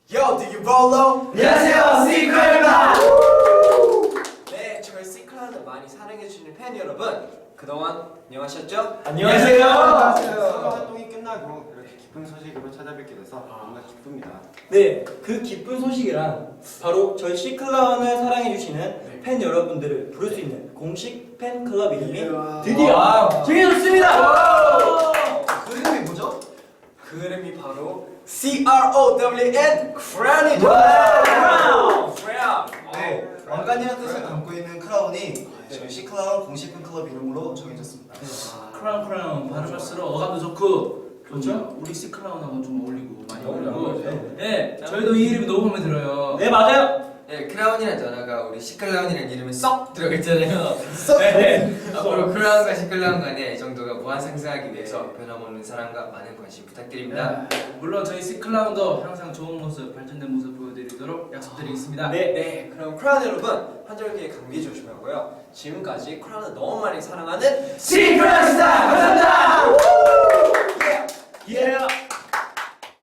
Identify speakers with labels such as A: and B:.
A: Yo, do you follow?
B: 안녕하세요, 시크라입니다.
A: 네, 저희 시크라를 많이 사랑해주시는 팬 여러분, 그동안 안녕하셨죠?
B: 안녕하세요.
C: 선거 활동이 끝나고 이렇게 기쁜 소식으로 찾아뵙게 돼서 뭔가 기쁩니다.
B: 네, 그 기쁜 소식이란 바로 저희 시클라운을 사랑해주시는 팬 여러분들을 부를 수 있는 공식 팬클럽 이름이 드디어 정해졌습니다.
A: 그 이름이 뭐죠? 그 이름이 바로 CROWN 크라운이죠. 크라운.
C: 네, 왕관이라는 뜻을 담고 있는 크라운이 저희 시클라운 공식 팬클럽 이름으로 정해졌습니다.
D: 크라운 발음할수록 어감도 좋고 그렇죠? 우리 시크라운하고 좀 어울리고 많이 어울리고 네, 저희도 이 이름이 너무 마음에 들어요.
B: 네, 맞아요.
E: 네, 크라운이라는 단어가 우리 시클라운이라는 이름에 썩 들어가 있잖아요.
B: 네,
E: 앞으로 크라운과 시클라운 간의 애정도가 무한 상승하기 위해서 변함없는 사랑과 많은 관심 부탁드립니다.
D: 물론 저희 시크라운도 항상 좋은 모습, 발전된 모습 보여드리도록 약속드리겠습니다.
A: 네, 그럼 크라운 여러분, 환절기에 감기 조심하고요. 지금까지 크라운을 너무 많이 사랑하는
B: 시크라운이다. 감사합니다.